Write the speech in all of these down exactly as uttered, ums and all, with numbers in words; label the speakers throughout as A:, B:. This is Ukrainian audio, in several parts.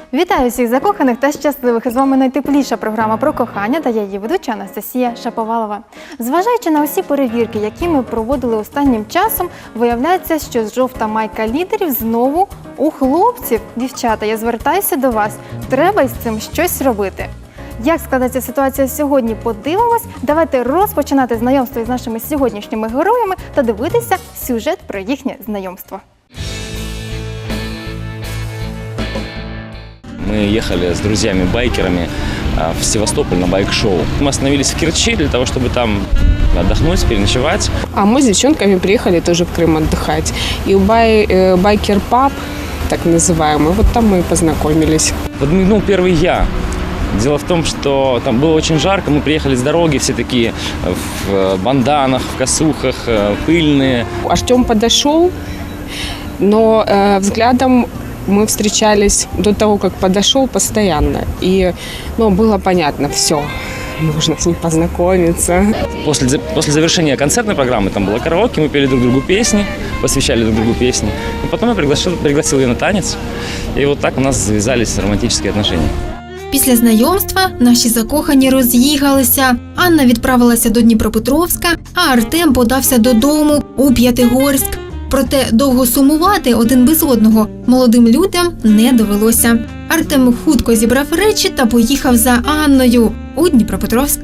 A: Вітаю всіх закоханих та щасливих! З вами найтепліша програма про кохання та я її ведуча Анастасія Шаповалова. Зважаючи на усі перевірки, які ми проводили останнім часом, виявляється, що жовта майка лідерів знову у хлопців. Дівчата, я звертаюся до вас. Треба із цим щось робити. Як складається ситуація сьогодні, подивимось. Давайте розпочинати знайомство із нашими сьогоднішніми героями та дивитися сюжет про їхнє знайомство.
B: Мы ехали с друзьями-байкерами в Севастополь на байк-шоу. Мы остановились в Керчи для того, чтобы там отдохнуть, переночевать.
C: А мы с девчонками приехали тоже в Крым отдыхать. И у бай, э, байкер-паб, так называемый, вот там мы и познакомились.
B: Подмигнул первый я. Дело в том, что там было очень жарко, мы приехали с дороги, все такие в банданах, в косухах, пыльные.
C: Артем подошел, но э, взглядом мы встречались до того, как подошел, постоянно. И ну, было понятно, все, нужно с ним познакомиться.
B: После, после завершения концертной программы, там было караоке, мы пели друг другу песни, посвящали друг другу песни. И потом я пригласил, пригласил ее на танец, и вот так у нас завязались романтические отношения.
A: Після знайомства наші закохані роз'їхалися. Анна відправилася до Дніпропетровська, а Артем подався додому у П'ятигорськ. Проте довго сумувати один без одного молодим людям не довелося. Артем хутко зібрав речі та поїхав за Анною у Дніпропетровськ.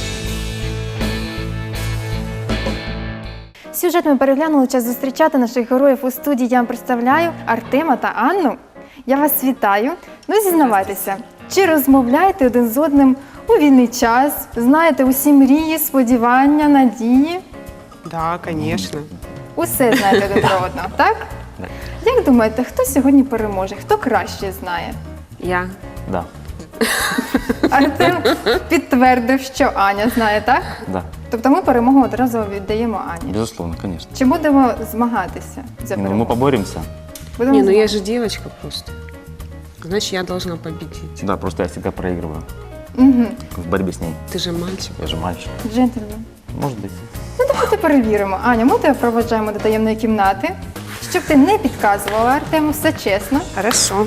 A: Сюжет ми переглянули, час зустрічати наших героїв у студії. Я вам представляю Артема та Анну. Я вас вітаю. Ну, зізнавайтеся, чи розмовляєте один з одним у вільний час? Знаєте усі мрії, сподівання, надії?
C: Да, конечно.
A: Усе знаєте один про одного, так? Як думаєте, хто сьогодні переможе? Хто краще знає?
C: Я.
B: Да.
A: Артем підтвердив, що Аня знає, так?
B: Да.
A: Тобто ми перемогу одразу віддаємо Ані.
B: Безусловно, конечно.
A: Чи будемо змагатися за
B: Ну, мы
A: перемогу?
B: поборемся.
A: Будемо
C: Не, ну я
A: змагатися.
C: же девочка просто. Значит, я должна победить.
B: Да, просто я всегда проигрываю
A: Мгм.
B: в борьбе с ней.
C: Ты же мальчик.
B: Я же мальчик.
A: Джентльмен.
B: Может быть.
A: Ну, давайте перевіримо. Аня, ми тебе проведжаємо до таємної кімнати, щоб ти не підказувала Артему, все чесно.
C: Хорошо.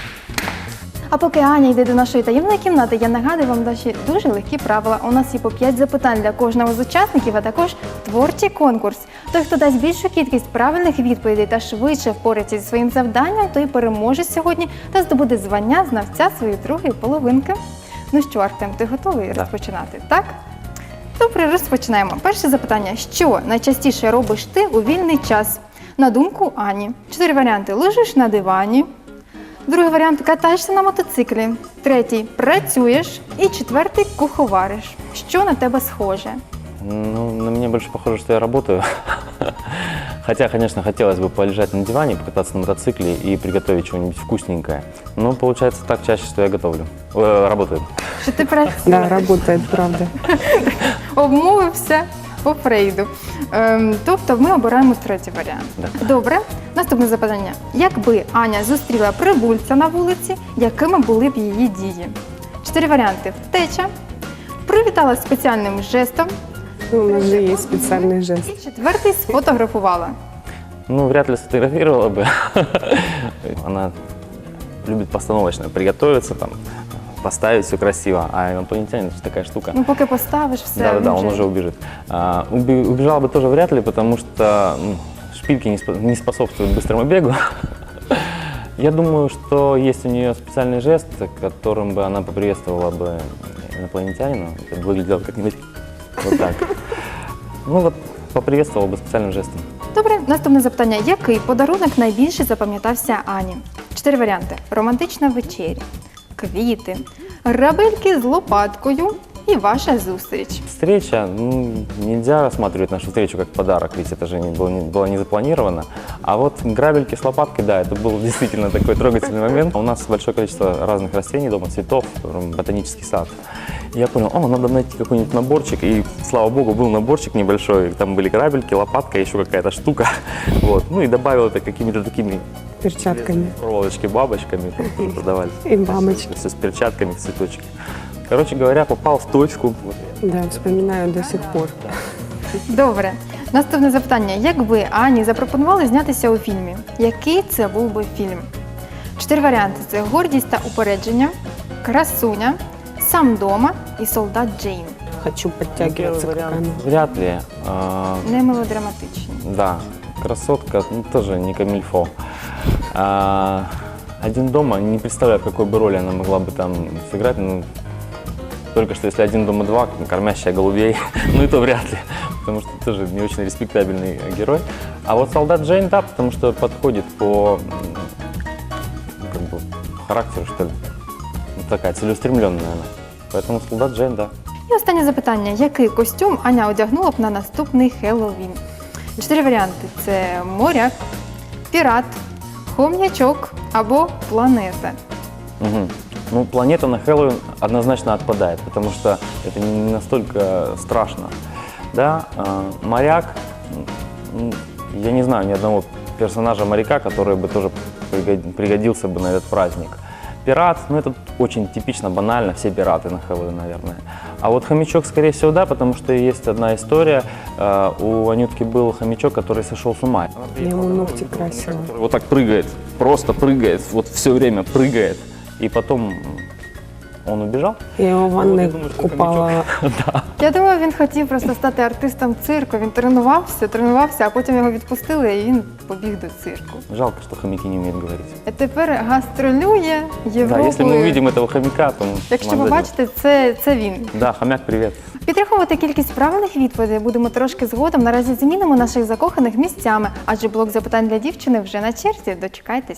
A: А поки Аня йде до нашої таємної кімнати, я нагадую вам наші дуже легкі правила. У нас є по п'ять запитань для кожного з учасників, а також творчий конкурс. Той, хто дасть більшу кількість правильних відповідей та швидше впорається зі своїм завданням, той переможе сьогодні та здобуде звання знавця своєї другої половинки. Ну що, Артем, ти готовий
B: Да.
A: розпочинати? Так? Добре, розпочинаємо. Перше запитання. Що найчастіше робиш ти у вільний час? На думку Ані. Чотири варіанти. Лежиш на дивані. Другий варіант – катаєшся на мотоциклі. Третій – працюєш. І четвертий – куховариш. Що на тебе схоже?
D: Ну, на меня больше похоже, что я работаю. Хотя, конечно, хотелось бы полежать на диване, покататься на мотоцикле и приготовить чего-нибудь вкусненькое. Но получается так чаще, что я готовлю. Э, работаю.
A: Що ти працюєш?
C: Да, работает, правда.
A: Обмовився по Фрейду. Ем, тобто ми обираємо третій варіант.
D: Да.
A: Добре. Наступне запитання. Якби Аня зустріла прибульця на вулиці, якими були б її дії? Чотири варіанти. Втеча. Привітала спеціальним жестом.
C: Ну, у нас же есть специальный жест.
A: І четвертий – сфотографувала.
D: Ну, вряд ли сфотографировала бы. Она любит постановочно приготовиться, там, поставить все красиво. А инопланетянин – это такая штука.
A: Ну, поки поставиш все.
D: Да-да-да,
A: він
D: он уже убежит. А, уби- убежал бы тоже вряд ли, потому что ну, шпильки не, спо- не способствуют быстрому бегу. Я думаю, что есть у нее специальный жест, которым бы она поприветствовала бы инопланетянина. Это бы выглядело как-нибудь вот так. Ну вот, поприветствовала бы специальным жестом.
A: Добре, наступне запитання. Який подарунок найбільше запам'ятався Ані? Чотири варіанти. Романтична вечеря, квіти, грабельки з лопаткою і ваша зустріч.
D: Встреча, ну, нельзя рассматривать нашу встречу как подарок, ведь это же не было, не, было не запланировано. А вот грабельки с лопаткой, да, это был действительно такой трогательный момент. У нас большое количество разных растений дома, цветов, ботанический сад. И я понял, о, надо найти какой-нибудь наборчик, и, слава богу, был наборчик небольшой, там были грабельки, лопатка, еще какая-то штука. Вот. Ну и добавил это какими-то такими
C: Перчатками.
D: проволочки, бабочками, которые продавались.
C: И бабочки.
D: Все с перчатками, цветочки. Короче говоря, попал в точку.
C: Да, вспоминаю до сих пор.
A: Добре. Наступне запитання. Якби Ані запропонували знятися у фільмі, який це був би фільм? Чотири варіанти: це гордість та упередження, красуня, сам дома і солдат Джейн.
C: Хочу подтягиваться к камеру.
D: Вряд ли. А,
A: Не мелодраматичні.
D: да, красотка, ну, тоже не камильфо. А, один дома, не представляю, какой бы роли она могла бы там сыграть. Ну, только что если один дома два, кормящая голубей, ну и то вряд ли, потому что тоже не очень респектабельный герой. А вот солдат Джейн, да, потому что подходит по м, как бы, характеру, что ли. Ну, такая целеустремленная она. Поэтому солдат Джейн, да.
A: І останнє запитання: який костюм Аня одягнула б на наступний Хеллоуін? Чотири варіанти: це моряк, пірат, хом'ячок або планета.
D: Мгм. Ну, планета на Хэллоуин однозначно отпадает, потому что это не настолько страшно. Да, а, моряк, м, я не знаю ни одного персонажа моряка, который бы тоже пригод- пригодился бы на этот праздник. Пират, ну это очень типично, банально, все пираты на Хэллоуин, наверное. А вот хомячок, скорее всего, да, потому что есть одна история. а, У Анютки был хомячок, который сошел с ума.
C: Я ему ногти красила.
D: Который вот так прыгает, просто прыгает, вот все время прыгает. И потом он убежал.
C: Я его в ванной
D: думаю, что
C: купала.
A: Я думаю, він хотів просто стати артистом цирку. Він тренувався, тренувався, а потім його відпустили, і він побіг до цирку.
D: Жалко, что хомяки не умеют говорить.
A: А тепер гастролює
D: Да,
A: Європою.
D: если мы увидим этого хомяка, то
A: Якщо
D: нам
A: ви
D: дадим.
A: бачите, це, це він.
D: Да, хомяк, привет.
A: Підраховувати кількість правильних відповідей будемо трошки згодом. Наразі змінимо наших закоханих місцями, адже блок запитань для дівчини вже на черзі. Дочекайтесь.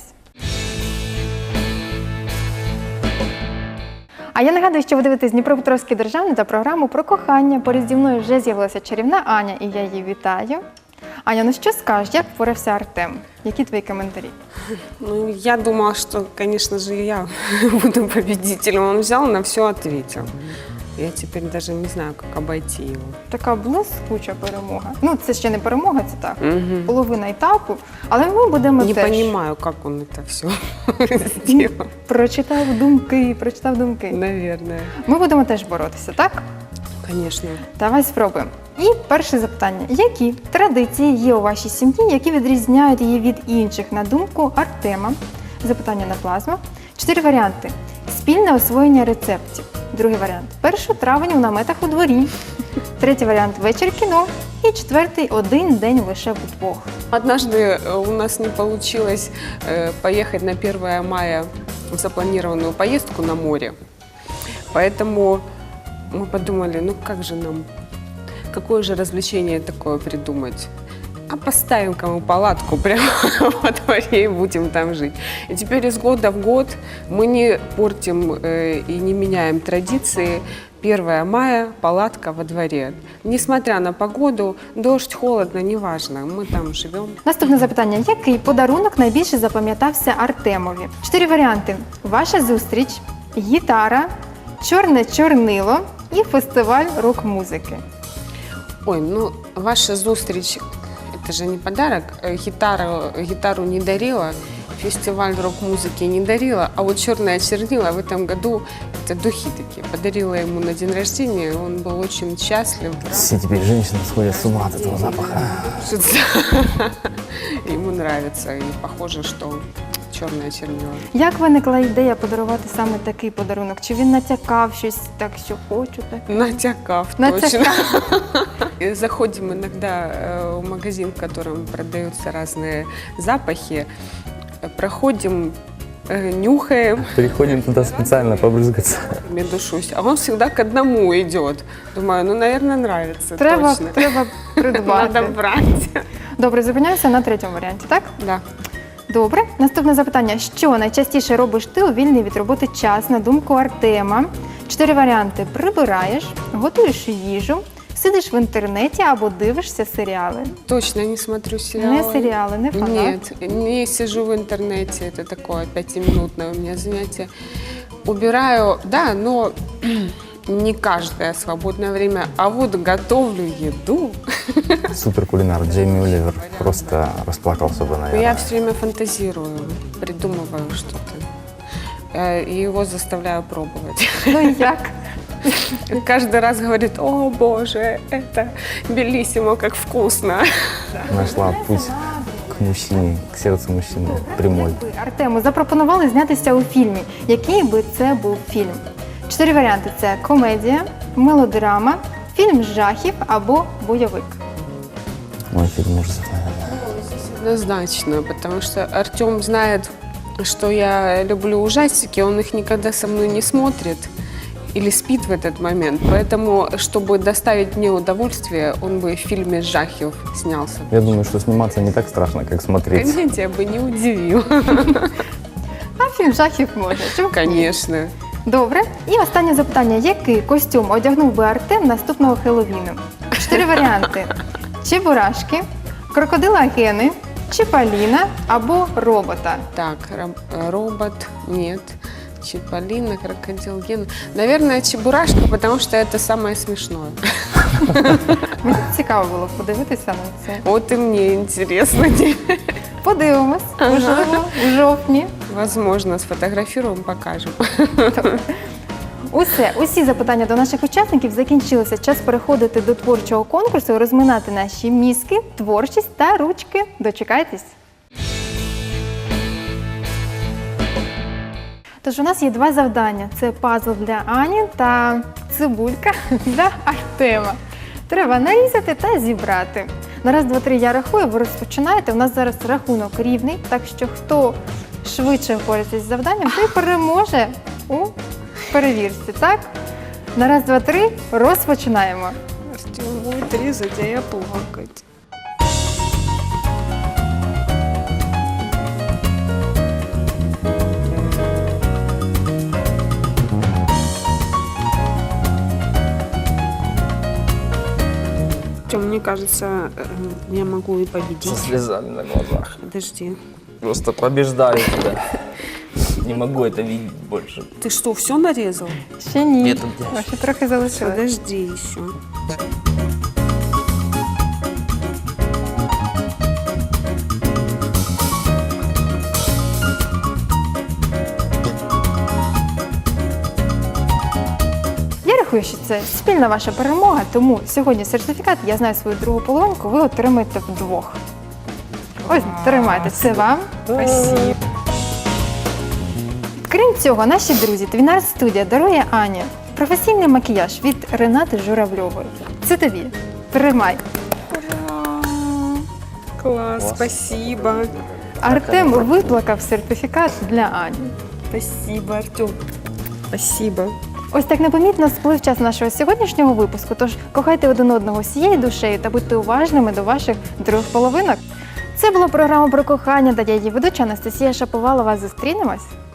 A: А я нагадую, що ви дивитесь Дніпропетровський державний та програму про кохання. Поряд зі мною вже з'явилася чарівна Аня, і я її вітаю. Аня, ну що скажеш, як впорався Артем? Які твої коментарі?
C: Ну, я думала, что, конечно же, я буду победителем. Он взял, на все ответил. Я теперь даже не знаю, как обойти его.
A: Така блискуча перемога. Ну, це ще не перемога, це так.
C: Мгм.
A: Половина етапу, але ми будемо
C: Не
A: теж.
C: понимаю, как он это все сделал.
A: Прочитав думки, прочитав думки.
C: Наверное.
A: Ми будемо теж боротися, так?
C: Конечно.
A: Давай спробуємо. І перше запитання. Які традиції є у вашій сім'ї, які відрізняють її від інших, на думку Артема? Запитання на плазму. Чотири варіанти. Спільне освоєння рецептів. Другий варіант. першого травня у наметах у дворі. Третій варіант. Вечір кіно. І четвертий. Один день лише вдвох.
C: Однажды э, у нас не получилось э, поехать на первое мая в запланированную поездку на море. Поэтому мы подумали, ну как же нам, какое же развлечение такое придумать? А поставим-ка мы палатку прямо во дворе и будем там жить. И теперь из года в год мы не портим э, и не меняем традиции. первое мая, палатка во дворе. Несмотря на погоду, дождь, холодно, неважно, мы там живем.
A: Наступне запитання. Який подарунок найбільше запам'ятався Артемові? Чотири варіанти. Ваша зустріч, гітара, чорне чорнило і фестиваль рок-музики.
C: Ой, ну ваша зустріч, это же не подарок. Э, Гитару, гитару не дарила, фестиваль рок-музыки не дарила, а вот черное чернила в этом году, это духи такие, подарила ему на день рождения, он был очень счастлив.
E: Все теперь женщины сходят с ума от этого запаха.
C: Ему нравится, и похоже, что черное чернила.
A: Як виникла ідея подарувати саме такий подарунок? Чи він натякав щось так, що хочу так?
C: Натякав,
A: Натякав.
C: точно. И заходим иногда э, в магазин, в котором продаются разные запахи, проходим, э, нюхаем,
E: Приходим туда специально побрызгаться.
C: медушусь, а он всегда к одному идет. Думаю, ну, наверное, нравится,
A: Треба,
C: точно.
A: треба придбати.
C: Надо брать.
A: Добре, зупиняюся на третьому варіанті, так?
C: Да.
A: Добре. Наступне запитання. Що найчастіше робиш ти у вільний від роботи час, на думку Артема? Чотири варіанти. Прибираєш, готуєш їжу, сидиш в інтернеті або дивишся серіали.
C: Точно не смотрю сериалы.
A: Не серіали, не фанат.
C: Нет, не сижу в интернете, это такое пятиминутное у меня занятие. Убираю, да, но не каждое свободное время, а вот готовлю еду.
E: Суперкулинар Джейми Оливер просто расплакался бы,
C: Я
E: наверное.
C: все время фантазирую, придумываю что-то. Э, И его заставляю пробовать.
A: Ну і як?
C: Каждый раз говорит, о боже, это белиссимо, как вкусно.
E: Нашла путь к к мужчине, к сердцу мужчины прямой.
A: Ви, Артему, запропонували знятися у фільмі. Який би це був фільм? Чотири варіанти: це комедія, мелодрама, фільм жахів або бойовик.
E: Мой фильм ужасов, наверное.
C: Однозначно, потому что Артем знает, что я люблю ужастики, он их никогда со мной не смотрит или спит в этот момент. Поэтому, чтобы доставить мне удовольствие, он бы в фильме «Жахев» снялся.
E: Я думаю, что сниматься не так страшно, как смотреть.
C: Комедия бы не удивил.
A: А фільм жахів можна. Чому б ні?
C: Конечно.
A: Добре. І останнє запитання. Який костюм одягнув би Артем наступного Хеллоуіну? Чотири варіанти. Чебурашки, крокодила Гени, Чиполліна або робота.
C: Так, ро- робот, нет. Чиполлино, крокодил Гена. Наверное, Чебурашка, потому что это самое смешное.
A: Мені цікаво було подивитися на це.
C: Вот и мне интересно.
A: Подивимось, можливо, у жовтні.
C: Возможно, сфотографируем, покажем.
A: Усе, усі запитання до наших учасників закінчилися. Час переходити до творчого конкурсу і розминати наші мізки, творчість та ручки. Дочекайтесь. Тож у нас є два завдання. Це пазл для Ані та цибулька для Артема. Треба нарізати та зібрати. На раз, два, три я рахую, ви розпочинаєте. У нас зараз рахунок рівний, так що хто швидше впорається з завданням, той переможе у перевірці, так? На раз, два, три, розпочинаємо.
C: Артем будет резать, а я плакать. Артем, мне кажется, э, я могу и победить.
F: Слезами на глазах.
C: Подожди.
F: Просто побеждаю тебя. Не могу это видеть больше.
C: Ты что, все нарезал?
A: Ще ні.
F: Ні, тут десь.
A: О, ще трохи залишилось.
C: Подожди еще.
A: Я рахую, що це спільна ваша перемога, тому сьогодні сертифікат «Я знаю свою другу половинку» ви отримаєте вдвох. Ось, тримайте, це вам.
C: Спасибо.
A: Крім цього, наші друзі, Твінарт студія дарує Ані професійний макіяж від Ренати Журавльової. Це тобі. Тримай.
C: Класс, спасибо.
A: Артем виплакав сертифікат для Ані.
C: Спасибо, Артем. Спасибо.
A: Ось так непомітно сплив час нашого сьогоднішнього випуску, тож кохайте один одного всією душею та будьте уважними до ваших других половинок. Це була програма про кохання та я її ведуча Анастасія Шаповалова. Зустрінемось!